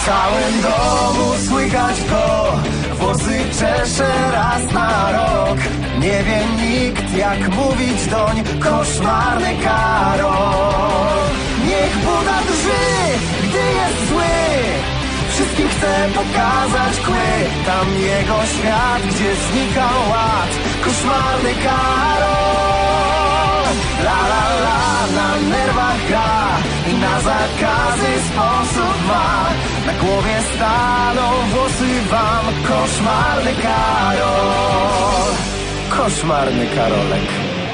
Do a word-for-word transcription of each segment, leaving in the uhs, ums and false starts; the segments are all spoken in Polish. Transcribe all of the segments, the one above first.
W całym domu słychać go, włosy czesze raz na rok. Nie wie nikt, jak mówić doń, koszmarny Karol. Niech Buda drży, gdy jest zły, wszystkim chce pokazać kły. Tam jego świat, gdzie znika ład, koszmarny Karol. La la la, na nerwach gra i na zakazy sposób ma. Na głowie staną włosy wam, koszmarny Karol. Koszmarny Karolek.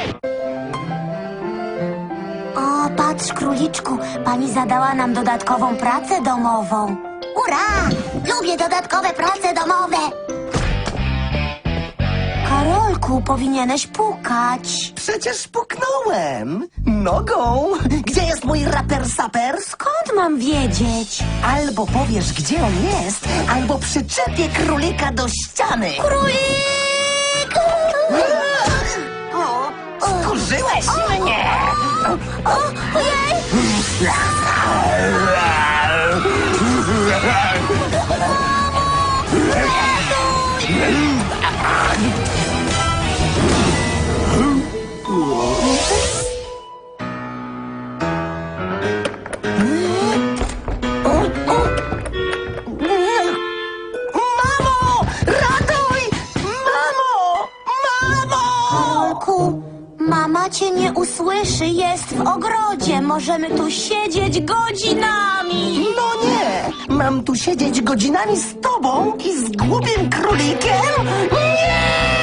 O, patrz, króliczku, pani zadała nam dodatkową pracę domową. Ura! Lubię dodatkowe prace domowe. Karolku, powinieneś pukać. Przecież puknąłem nogą. Gdzie jest mój raper saper? Skąd mam wiedzieć? Albo powiesz, gdzie on jest, albo przyczepię królika do ściany. Królik! Skurzyłeś mnie! O, ojej! Mamo! Ratuj! Mamo! Mamo! Karolku, mama cię nie usłyszy, jest w ogrodzie. Możemy tu siedzieć godzinami. No nie! Mam tu siedzieć godzinami z tobą i z głupim królikiem? Nie!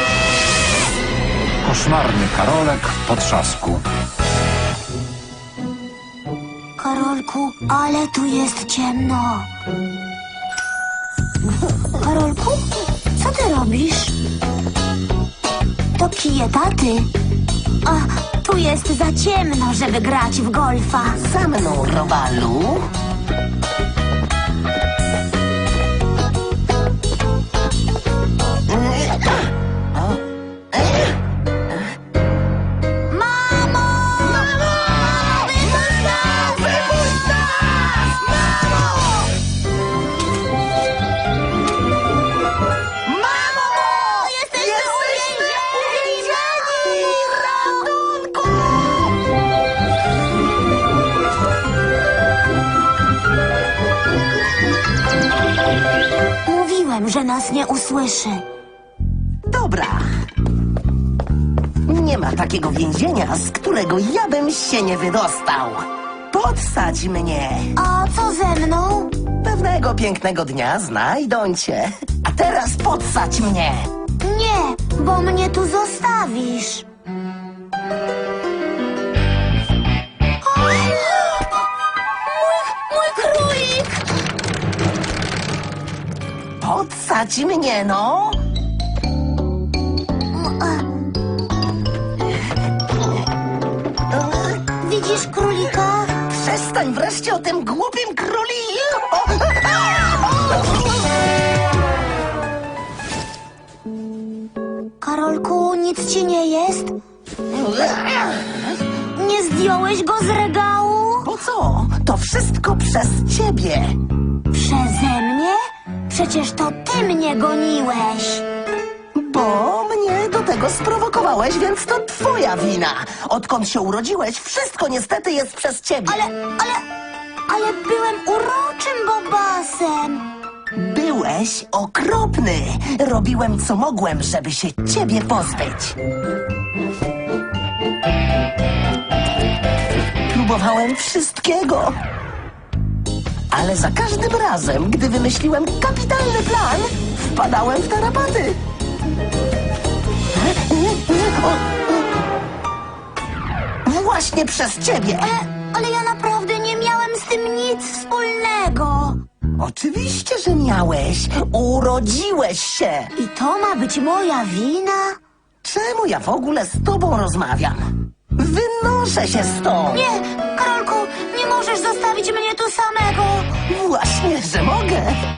Koszmarny Karolek w potrzasku. Karolku, ale tu jest ciemno. Karolku, co ty robisz? To kije taty. A, tu jest za ciemno, żeby grać w golfa. Za mną, Robalu. Mamo! Mamo! Wypuść nas! Wypuść nas! Mamo! Mamo! Jesteśmy uwięzieni! Ratunku! Mówiłem, że nas nie usłyszy. Dobra. Nie ma takiego więzienia, z którego ja bym się nie wydostał. Podsadź mnie. A co ze mną? Pewnego pięknego dnia znajdą cię. A teraz podsadź mnie. Nie, bo mnie tu zostawisz. O, mój, mój królik! Podsadź mnie, no. Widzisz królika? Przestań wreszcie o tym głupim króliku. Karolku, nic ci nie jest? Nie zdjąłeś go z regału? Po co? To wszystko przez ciebie. Przeze mnie? Przecież to ty mnie goniłeś. Bo mnie do tego sprowokowałeś, więc to twoja wina. Odkąd się urodziłeś, wszystko niestety jest przez ciebie. Ale, ale, ale byłem uroczym bobasem. Byłeś okropny. Robiłem co mogłem, żeby się ciebie pozbyć. Próbowałem wszystkiego. Ale za każdym razem, gdy wymyśliłem kapitalny plan, wpadałem w tarapaty. Właśnie przez ciebie. Ale, ale ja naprawdę nie miałem z tym nic wspólnego. Oczywiście, że miałeś. Urodziłeś się. I to ma być moja wina? Czemu ja w ogóle z tobą rozmawiam? Wynoszę się stąd. Nie, Karolku, nie możesz zostawić mnie tu samego. Właśnie, że mogę.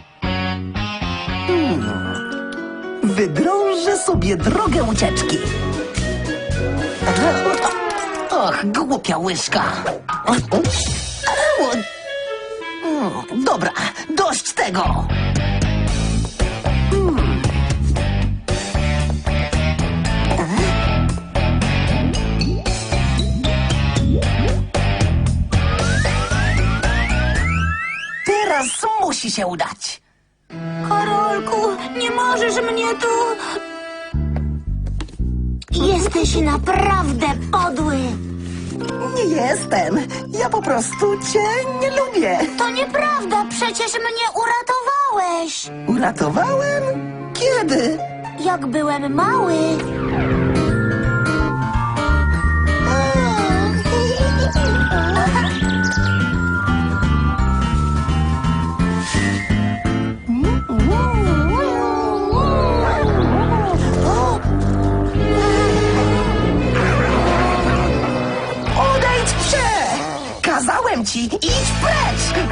Hmm. Wydrążę sobie drogę ucieczki. Och, głupia łyżka. Dobra, dość tego! Teraz musi się udać. Karolku, nie możesz mnie tu... Jesteś naprawdę podły. Nie jestem. Ja po prostu cię nie lubię. To nieprawda, przecież mnie uratowałeś. Uratowałem? Kiedy? Jak byłem mały. Odejdź się! Kazałem ci, idź precz!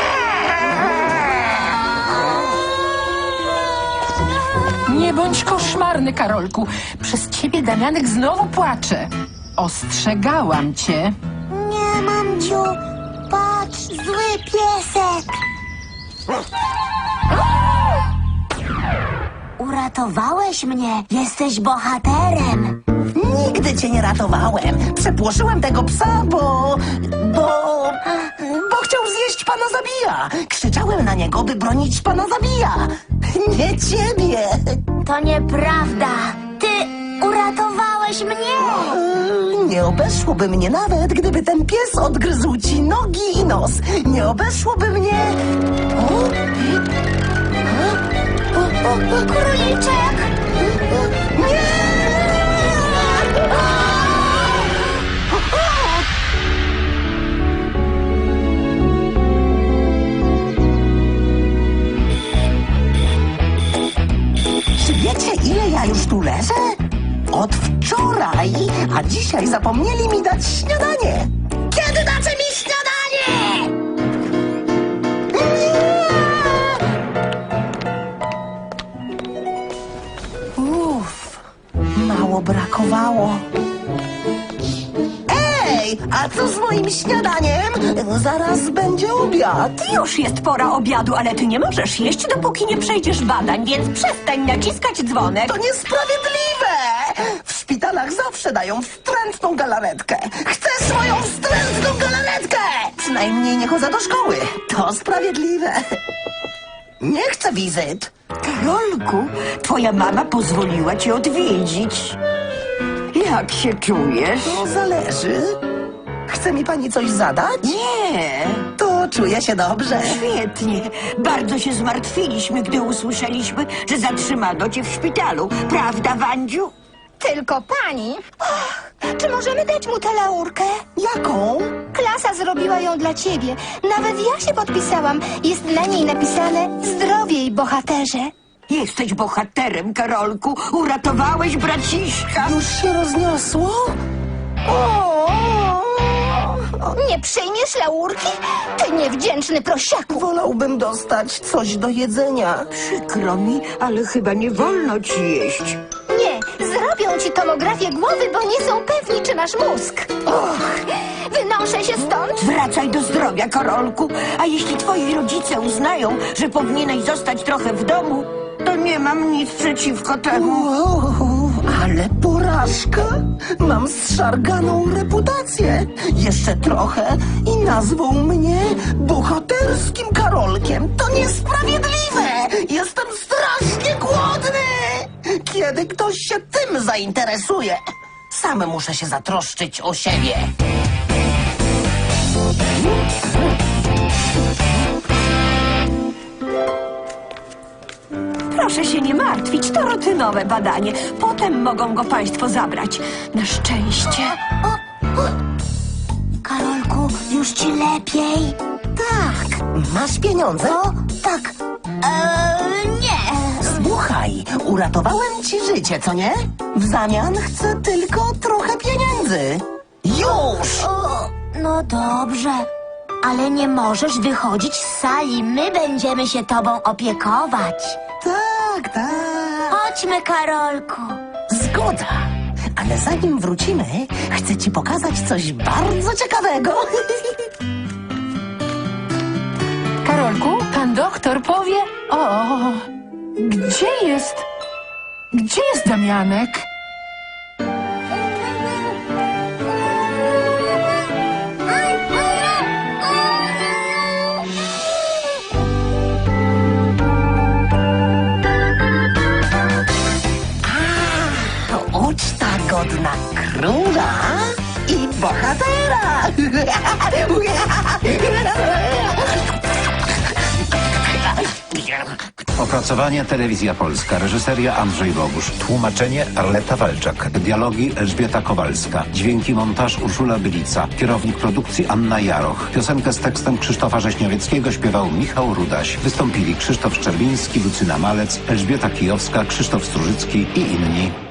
Nie bądź koszmarny, Karolku. Przez ciebie Damianek znowu płacze. Ostrzegałam cię. Nie, mamciu, patrz, zły piesek. Uratowałeś mnie, jesteś bohaterem. Nigdy cię nie ratowałem. Przepłoszyłem tego psa, bo... bo... bo chciał zjeść pana Zabija. Krzyczałem na niego, by bronić pana Zabija. Nie ciebie. To nieprawda. Ty uratowałeś mnie. Yy, Nie obeszłoby mnie nawet, gdyby ten pies odgryzł ci nogi i nos. Nie obeszłoby mnie... O? O, o, króliczek. Nie! Czy wiecie, ile ja już tu leżę? Od wczoraj, a dzisiaj zapomnieli mi dać śniadanie. Kiedy dacie mi śniadanie? Uff, mało brakowało. Ej, a co z moim śniadaniem? Zaraz będzie obiad. Już jest pora obiadu, ale ty nie możesz jeść, dopóki nie przejdziesz badań, więc przestań naciskać dzwonek. To niesprawiedliwe! W szpitalach zawsze dają wstrętną galaretkę. Chcę swoją wstrętną galaretkę! Przynajmniej nie chodzę do szkoły. To sprawiedliwe. Nie chcę wizyt. Karolku, twoja mama pozwoliła cię odwiedzić. Jak się czujesz? To zależy. Chce mi pani coś zadać? Nie, To czuję się dobrze. świetnie. Bardzo się zmartwiliśmy, gdy usłyszeliśmy, że zatrzymano cię w szpitalu. Prawda, Wandziu? Tylko pani. Och, czy możemy dać mu tę laurkę? Jaką? Klasa zrobiła ją dla ciebie. Nawet ja się podpisałam. Jest na niej napisane zdrowiej, bohaterze. Jesteś bohaterem, Karolku. Uratowałeś braciszka. Już się rozniosło? O! Nie przyjmiesz laurki? Ty niewdzięczny prosiaku. Wolałbym dostać coś do jedzenia. Przykro mi, ale chyba nie wolno ci jeść. Nie, zrobią ci tomografię głowy, bo nie są pewni, czy masz mózg. Och, wynoszę się stąd. Wracaj do zdrowia, Karolku. A jeśli twoi rodzice uznają, że powinieneś zostać trochę w domu, to nie mam nic przeciwko temu. Wow, ale porażka! Mam zszarganą reputację. Jeszcze trochę i nazwą mnie bohaterskim Karolkiem. To niesprawiedliwe! Jestem strasznie głodny! Kiedy ktoś się tym zainteresuje, sam muszę się zatroszczyć o siebie. Proszę się nie martwić, to rutynowe badanie. Potem mogą go państwo zabrać. Na szczęście. Karolku, już ci lepiej? Tak, masz pieniądze? O, tak. Eee, nie. Słuchaj, uratowałem ci życie, co nie? W zamian chcę tylko trochę pieniędzy. Już! O, no dobrze. Ale nie możesz wychodzić z sali. My będziemy się tobą opiekować. Tak, tak. Chodźmy, Karolku. Zgoda. Ale zanim wrócimy, chcę ci pokazać coś bardzo ciekawego. Karol, Karolku, pan doktor powie... O, gdzie jest... Gdzie jest Damianek? Uczta godna króla i bohatera. Opracowanie Telewizja Polska. Reżyseria Andrzej Bogusz. Tłumaczenie Arleta Walczak. Dialogi Elżbieta Kowalska. Dźwięki montaż Urszula Bylica. Kierownik produkcji Anna Jaroch. Piosenkę z tekstem Krzysztofa Rześniowieckiego śpiewał Michał Rudaś. Wystąpili Krzysztof Szczerbiński, Lucyna Malec, Elżbieta Kijowska, Krzysztof Strużycki i inni.